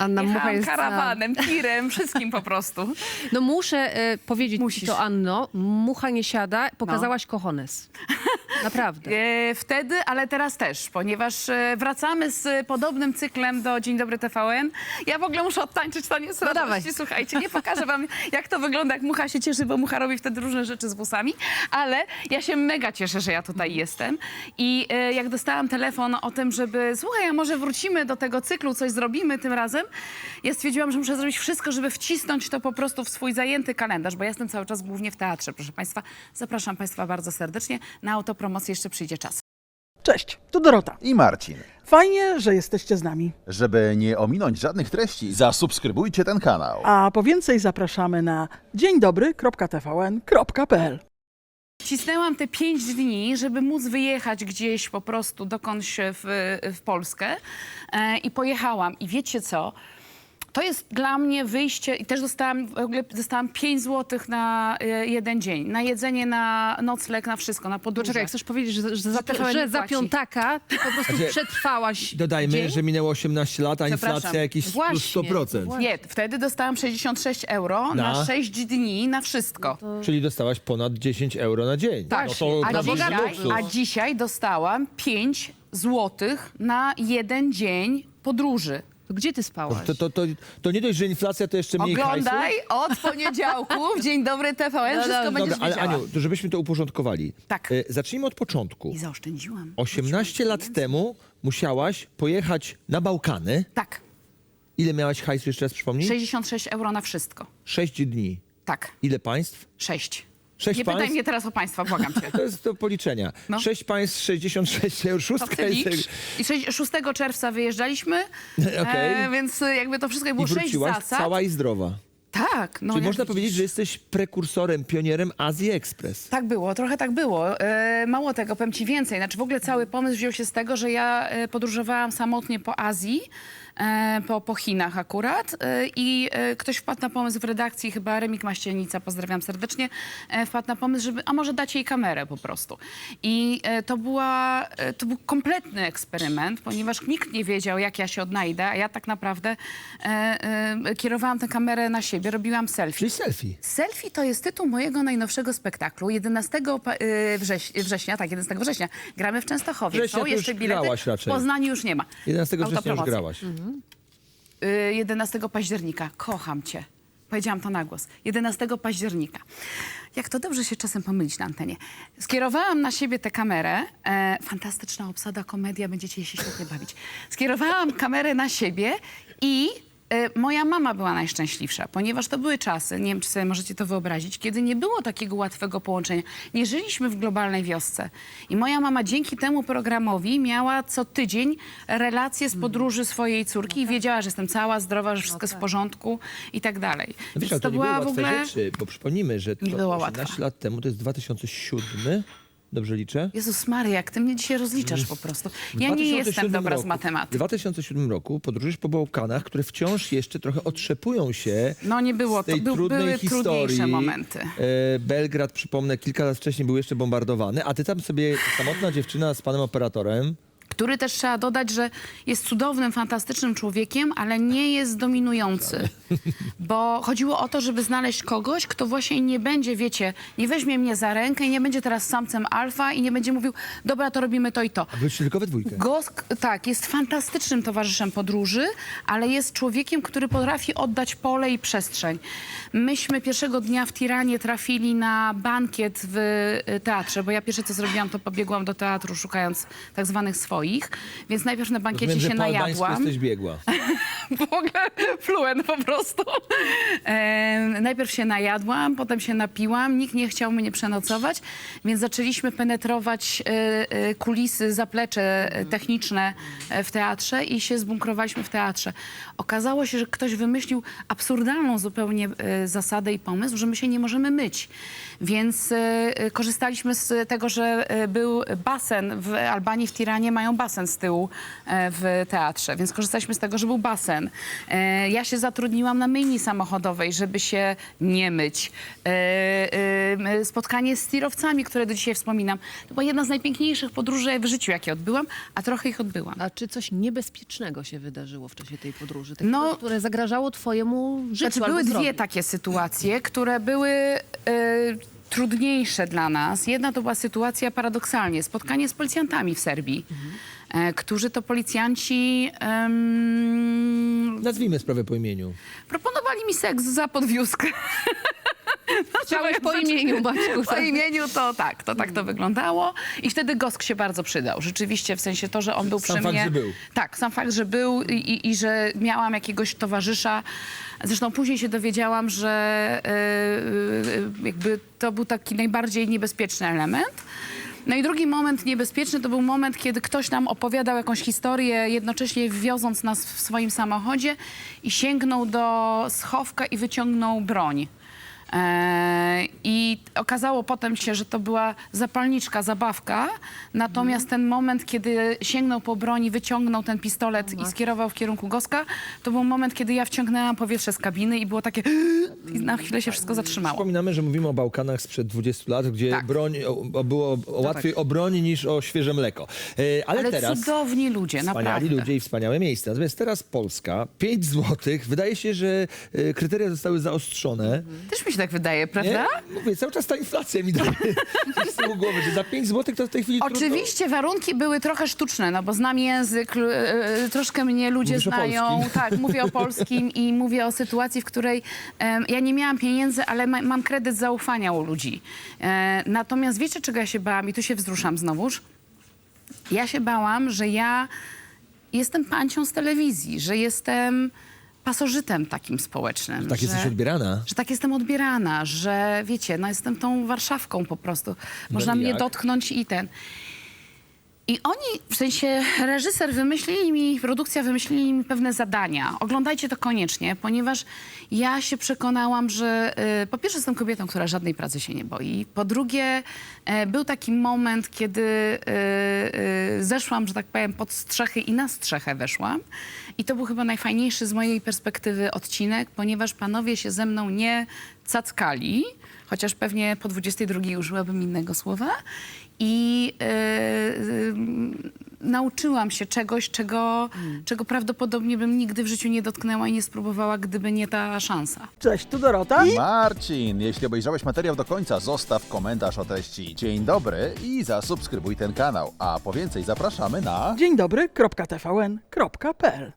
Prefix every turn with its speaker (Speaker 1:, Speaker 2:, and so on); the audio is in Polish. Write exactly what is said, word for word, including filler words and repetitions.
Speaker 1: Anna Mucha
Speaker 2: Jechałam
Speaker 1: jest za-
Speaker 2: karawanem, tirem, wszystkim po prostu.
Speaker 1: No muszę e, powiedzieć ci
Speaker 2: Musisz.
Speaker 1: to, Anno, mucha nie siada, pokazałaś kochones. Naprawdę.
Speaker 2: E, wtedy, ale teraz też, ponieważ e, wracamy z podobnym cyklem do Dzień Dobry T V N. Ja w ogóle muszę odtańczyć taniec
Speaker 1: No dawaj.
Speaker 2: radości. Słuchajcie, nie pokażę wam, jak to wygląda, jak mucha się cieszy, bo mucha robi wtedy różne rzeczy z włosami, ale ja się mega cieszę, że ja tutaj jestem. I e, jak dostałam telefon o tym, żeby, słuchaj, a może wrócimy do tego cyklu, coś zrobimy tym razem, ja stwierdziłam, że muszę zrobić wszystko, żeby wcisnąć to po prostu w swój zajęty kalendarz, bo ja jestem cały czas głównie w teatrze, proszę państwa. Zapraszam państwa bardzo serdecznie. Na autopromocję jeszcze przyjdzie czas.
Speaker 3: Cześć, tu Dorota.
Speaker 4: I Marcin.
Speaker 3: Fajnie, że jesteście z nami.
Speaker 4: Żeby nie ominąć żadnych treści, zasubskrybujcie ten kanał.
Speaker 3: A po więcej zapraszamy na dzień dobry kropka t v n kropka p l.
Speaker 2: Cisnęłam te pięć dni, żeby móc wyjechać gdzieś po prostu dokądś w, w Polskę e, i pojechałam. I wiecie co? To jest dla mnie wyjście i też dostałam, w ogóle dostałam pięć złotych na e, jeden dzień. Na jedzenie, na nocleg, na wszystko, na podróże.
Speaker 1: Czekaj, chcesz powiedzieć, że, że, za,
Speaker 2: T V N
Speaker 1: że
Speaker 2: nie
Speaker 1: za
Speaker 2: płaci.
Speaker 1: piątaka ty po prostu
Speaker 5: Znaczy,
Speaker 1: przetrwałaś
Speaker 5: Dodajmy,
Speaker 1: dzień?
Speaker 5: że minęło osiemnaście lat, a
Speaker 2: Przepraszam.
Speaker 5: inflacja jakieś plus
Speaker 1: Właśnie,
Speaker 5: sto procent.
Speaker 1: właśnie.
Speaker 2: Nie, wtedy dostałam sześćdziesiąt sześć euro na,
Speaker 5: Na?
Speaker 2: sześć dni, na wszystko.
Speaker 5: Czyli dostałaś ponad dziesięć euro na dzień.
Speaker 2: Tak,
Speaker 5: No to
Speaker 2: a,
Speaker 5: naprawdę
Speaker 2: dzisiaj,
Speaker 5: luksus.
Speaker 2: a dzisiaj dostałam pięć złotych na jeden dzień podróży.
Speaker 1: To gdzie ty spałaś?
Speaker 5: To, to, to, to nie dość, że inflacja, to jeszcze mniej
Speaker 2: Oglądaj
Speaker 5: hajsu.
Speaker 2: od poniedziałku w Dzień Dobry T V N,
Speaker 1: No
Speaker 2: wszystko
Speaker 1: dobra,
Speaker 2: będziesz
Speaker 5: Dobra, ale
Speaker 2: wiedziała.
Speaker 5: Aniu, to żebyśmy to uporządkowali.
Speaker 2: Tak.
Speaker 5: E, zacznijmy od początku.
Speaker 2: I zaoszczędziłam.
Speaker 5: osiemnaście lat temu musiałaś pojechać na Bałkany.
Speaker 2: Tak,
Speaker 5: Ile miałaś hajsu, jeszcze raz przypomnij?
Speaker 2: sześćdziesiąt sześć euro na wszystko.
Speaker 5: Sześć dni.
Speaker 2: Tak,
Speaker 5: Ile państw?
Speaker 2: sześć.
Speaker 5: Sześć
Speaker 2: Nie
Speaker 5: państw?
Speaker 2: pytaj mnie teraz o państwa, błagam cię.
Speaker 5: To jest do policzenia.
Speaker 2: No.
Speaker 5: Sześć państw, sześćdziesiąt sześć euro.
Speaker 2: To
Speaker 5: Szóstka
Speaker 2: ty
Speaker 5: jest...
Speaker 2: licz. I sześć- szóstego czerwca wyjeżdżaliśmy,
Speaker 5: Okej.
Speaker 2: e, więc jakby to wszystko było
Speaker 5: I
Speaker 2: sześć
Speaker 5: wróciłaś
Speaker 2: zasad.
Speaker 5: cała i zdrowa.
Speaker 2: Tak, no
Speaker 5: Czyli
Speaker 2: jak
Speaker 5: można
Speaker 2: widzisz.
Speaker 5: powiedzieć, że jesteś prekursorem, pionierem Azji Express.
Speaker 2: Tak było, trochę tak było. E, mało tego, powiem ci więcej. Znaczy w ogóle cały pomysł wziął się z tego, że ja e, podróżowałam samotnie po Azji, e, po, po Chinach akurat e, i e, ktoś wpadł na pomysł w redakcji, chyba Remik Maścielnica, pozdrawiam serdecznie, e, wpadł na pomysł, żeby, a może dać jej kamerę po prostu. I e, to, była, e, to był kompletny eksperyment, ponieważ nikt nie wiedział, jak ja się odnajdę, a ja tak naprawdę e, e, kierowałam tę kamerę na siebie, robiłam selfie.
Speaker 5: Czyli selfie.
Speaker 2: Selfie to jest tytuł mojego najnowszego spektaklu. jedenastego pa- y, wrześ września, tak, jedenastego września. Gramy w Częstochowie.
Speaker 5: Września
Speaker 2: Są
Speaker 5: to
Speaker 2: jeszcze
Speaker 5: już
Speaker 2: bilety.
Speaker 5: grałaś raczej.
Speaker 2: W Poznaniu już nie ma.
Speaker 5: jedenastego września już
Speaker 2: Autopromocja.
Speaker 5: grałaś.
Speaker 2: Y, jedenastego października. Kocham cię. Powiedziałam to na głos. jedenastego października. Jak to dobrze się czasem pomylić na antenie. Skierowałam na siebie tę kamerę. E, fantastyczna obsada, komedia, będziecie się świetnie bawić. Skierowałam kamerę na siebie i e, moja mama była najszczęśliwsza, ponieważ to były czasy, nie wiem, czy sobie możecie to wyobrazić, kiedy nie było takiego łatwego połączenia. Nie żyliśmy w globalnej wiosce. I moja mama dzięki temu programowi miała co tydzień relacje z podróży swojej córki i wiedziała, że jestem cała, zdrowa, że wszystko jest w porządku i tak dalej.
Speaker 5: No wiesz,
Speaker 2: Więc
Speaker 5: ale
Speaker 2: to
Speaker 5: to nie były
Speaker 2: była w
Speaker 5: łatwe
Speaker 2: ogóle...
Speaker 5: rzeczy, bo przypomnijmy, że to
Speaker 2: Nie była
Speaker 5: osiemnaście
Speaker 2: łatwa.
Speaker 5: lat temu, to jest dwa tysiące siódmy, dobrze liczę?
Speaker 2: Jezus Maria, jak ty mnie dzisiaj rozliczasz po prostu.
Speaker 5: W
Speaker 2: Ja nie jestem
Speaker 5: 2007
Speaker 2: dobra z
Speaker 5: roku- W
Speaker 2: matematyki.
Speaker 5: dwa tysiące siódmym roku podróżujesz po Bałkanach, które wciąż jeszcze trochę otrzepują się
Speaker 2: No nie było,
Speaker 5: z
Speaker 2: to
Speaker 5: tej
Speaker 2: był,
Speaker 5: trudnej
Speaker 2: były
Speaker 5: historii.
Speaker 2: trudniejsze momenty.
Speaker 5: E, Belgrad, przypomnę, kilka lat wcześniej był jeszcze bombardowany, a ty tam sobie, samotna dziewczyna z panem operatorem,
Speaker 2: Który też trzeba dodać, że jest cudownym, fantastycznym człowiekiem, ale nie jest dominujący. Bo chodziło o to, żeby znaleźć kogoś, kto właśnie nie będzie, wiecie, nie weźmie mnie za rękę i nie będzie teraz samcem alfa i nie będzie mówił, dobra, to robimy to i to.
Speaker 5: a byliście tylko we dwójkę.
Speaker 2: Gosk, tak, jest fantastycznym towarzyszem podróży, ale jest człowiekiem, który potrafi oddać pole i przestrzeń. Myśmy pierwszego dnia w Tiranie trafili na bankiet w y, teatrze, bo ja pierwsze co zrobiłam, to pobiegłam do teatru szukając tak zwanych swoich, więc najpierw na bankiecie
Speaker 5: Rozumiem, że
Speaker 2: się
Speaker 5: po albańsku
Speaker 2: najadłam.
Speaker 5: jesteś biegła.
Speaker 2: W ogóle fluent po prostu. E, najpierw się najadłam, potem się napiłam, nikt nie chciał mnie przenocować, więc zaczęliśmy penetrować e, e, kulisy, zaplecze e, techniczne e, w teatrze i się zbunkrowaliśmy w teatrze. Okazało się, że ktoś wymyślił absurdalną zupełnie e, zasadę i pomysł, że my się nie możemy myć. Więc e, korzystaliśmy z tego, że e, był basen w Albanii, w Tiranie mają basen z tyłu e, w teatrze, więc korzystaliśmy z tego, że był basen. jeden. E, ja się zatrudniłam na myjni samochodowej, żeby się nie myć. E, e, spotkanie z tirowcami, które do dzisiaj wspominam. To była jedna z najpiękniejszych podróży w życiu, jakie odbyłam, a trochę ich odbyłam.
Speaker 1: A czy coś niebezpiecznego się wydarzyło w czasie tej podróży? Takiego,
Speaker 2: No,
Speaker 1: które zagrażało twojemu życiu
Speaker 2: Znaczy,
Speaker 1: albo
Speaker 2: były dwie
Speaker 1: zdrowiu?
Speaker 2: takie sytuacje, które były e, trudniejsze dla nas. Jedna to była sytuacja paradoksalnie, spotkanie z policjantami w Serbii, e, którzy to policjanci em,
Speaker 5: Nazwijmy sprawę po imieniu.
Speaker 2: proponowali mi seks za podwiózkę.
Speaker 1: Chciałeś po imieniu, Baćku.
Speaker 2: Po imieniu to tak, to tak to wyglądało. I wtedy Gosk się bardzo przydał. Rzeczywiście, w sensie to, że on był
Speaker 5: Sam
Speaker 2: przy
Speaker 5: fakt,
Speaker 2: mnie.
Speaker 5: że był.
Speaker 2: Tak, sam fakt, że był i, i, i że miałam jakiegoś towarzysza. Zresztą później się dowiedziałam, że yy, jakby to był taki najbardziej niebezpieczny element. No i drugi moment niebezpieczny to był moment, kiedy ktoś nam opowiadał jakąś historię, jednocześnie wioząc nas w swoim samochodzie i sięgnął do schowka i wyciągnął broń. E, I okazało potem się, że to była zapalniczka, zabawka. Natomiast ten moment, kiedy sięgnął po broń i wyciągnął ten pistolet i skierował w kierunku Goska, to był moment, kiedy ja wciągnęłam powietrze z kabiny i było takie... I na chwilę się wszystko zatrzymało.
Speaker 5: Przypominamy, że mówimy o Bałkanach sprzed dwudziestu lat, gdzie
Speaker 2: Tak.
Speaker 5: broń, o, o, było o, łatwiej o broń niż o świeże mleko. E, ale,
Speaker 2: Ale
Speaker 5: teraz
Speaker 2: cudowni ludzie,
Speaker 5: wspaniali
Speaker 2: naprawdę.
Speaker 5: ludzie i wspaniałe miejsca. Natomiast teraz Polska, pięć złotych. Wydaje się, że e, kryteria zostały zaostrzone.
Speaker 2: Też mi się tak wydaje,
Speaker 5: Nie?
Speaker 2: prawda?
Speaker 5: Mówię, cały czas ta inflacja mi daje z tyłu głowy, że za pięć złotych to w tej chwili trudno.
Speaker 2: Oczywiście warunki były trochę sztuczne, no bo znam język, l- e, troszkę mnie ludzie
Speaker 5: Mówisz o
Speaker 2: znają.
Speaker 5: polskim.
Speaker 2: Tak, mówię o polskim i mówię o sytuacji, w której em, ja nie miałam pieniędzy, ale ma, mam kredyt zaufania u ludzi. E, natomiast wiecie, czego ja się bałam? I tu się wzruszam znowuż. Ja się bałam, że ja jestem pancią z telewizji, że jestem pasożytem takim społecznym.
Speaker 5: Tak
Speaker 2: że...
Speaker 5: jesteś odbierana.
Speaker 2: Że tak jestem odbierana, że wiecie, no jestem tą Warszawką po prostu. Można
Speaker 5: i
Speaker 2: mnie
Speaker 5: jak?
Speaker 2: dotknąć i ten. I oni, w sensie reżyser wymyślili mi, produkcja wymyślili mi pewne zadania. Oglądajcie to koniecznie, ponieważ ja się przekonałam, że y, po pierwsze jestem kobietą, która żadnej pracy się nie boi. Po drugie, y, był taki moment, kiedy y, y, zeszłam, że tak powiem, pod strzechy i na strzechę weszłam. I to był chyba najfajniejszy z mojej perspektywy odcinek, ponieważ panowie się ze mną nie cackali, chociaż pewnie po dwudziestej drugiej użyłabym innego słowa. I e, e, nauczyłam się czegoś, czego, czego prawdopodobnie bym nigdy w życiu nie dotknęła i nie spróbowała, gdyby nie ta szansa.
Speaker 3: Cześć, tu Dorota.
Speaker 4: Marcin, jeśli obejrzałeś materiał do końca, zostaw komentarz o treści dzień dobry i zasubskrybuj ten kanał. A po więcej zapraszamy na...
Speaker 3: Dzień dobry, kropka T V N, kropka P L.